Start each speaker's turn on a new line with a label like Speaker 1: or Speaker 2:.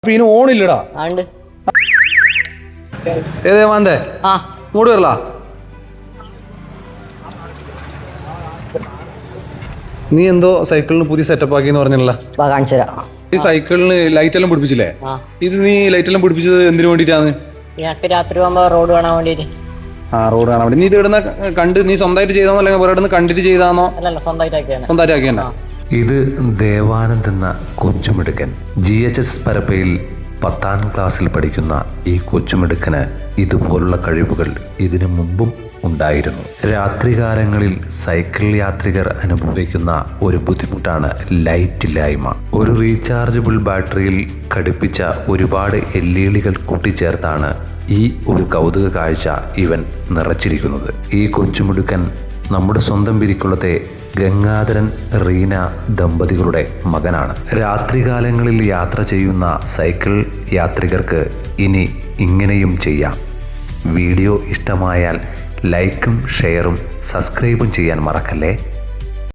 Speaker 1: പിന്നെ ഓണില്ലടാ ഏതേ മാന്തേ ഇങ്ങോട്ട് വരല നീ എന്തോ സൈക്കിളിന് പുതിയ സെറ്റപ്പ് ആക്കി എന്ന് പറഞ്ഞല്ലോ. ഈ സൈക്കിളിന് ലൈറ്റ് എല്ലാം പിടിപ്പിച്ചില്ലേ? ഇത് നീ ലൈറ്റ് എല്ലാം പിടിപ്പിച്ചത് എന്തിനു വേണ്ടിട്ടാണ്?
Speaker 2: രാത്രി പോകുമ്പോ റോഡ് കാണാൻ വേണ്ടിട്ട്.
Speaker 1: റോഡ് കാണാൻ വേണ്ടി. നീ ഇത് ഇവിടുന്ന് കണ്ട് നീ സ്വന്തമായിട്ട് ചെയ്താന്നോ അല്ലെങ്കിൽ വേറെ ഇവിടുന്ന് കണ്ടിട്ട് ചെയ്താന്നോ? സ്വന്തമായിട്ട് ആക്കിയാ.
Speaker 3: ഇത് ദേവാനന്ദ് എന്ന കൊച്ചുമിടുക്കൻ. GHS പരപ്പയിൽ 10ാം ക്ലാസ്സിൽ പഠിക്കുന്ന ഈ കൊച്ചുമിടുക്കന് ഇതുപോലുള്ള കഴിവുകൾ ഇതിനു മുമ്പും ഉണ്ടായിരുന്നു. രാത്രികാലങ്ങളിൽ സൈക്കിൾ യാത്രികർ അനുഭവിക്കുന്ന ഒരു ബുദ്ധിമുട്ടാണ് ലൈറ്റ് ഇല്ലായ്മ. ഒരു റീചാർജബിൾ ബാറ്ററിയിൽ ഘടിപ്പിച്ച ഒരുപാട് LED കൂട്ടിച്ചേർത്താണ് ഈ ഒരു കൗതുക കാഴ്ച ഇവൻ നിറച്ചിരിക്കുന്നത്. ഈ കൊച്ചുമിടുക്കൻ നമ്മുടെ സ്വന്തം പിരിക്കുളത്തെ ഗംഗാധരൻ റീന ദമ്പതികളുടെ മകനാണ്. രാത്രികാലങ്ങളിൽ യാത്ര ചെയ്യുന്ന സൈക്കിൾ യാത്രികർക്ക് ഇനി ഇങ്ങനെയും ചെയ്യാം. വീഡിയോ ഇഷ്ടമായാൽ ലൈക്കും ഷെയറും സബ്സ്ക്രൈബും ചെയ്യാൻ മറക്കല്ലേ.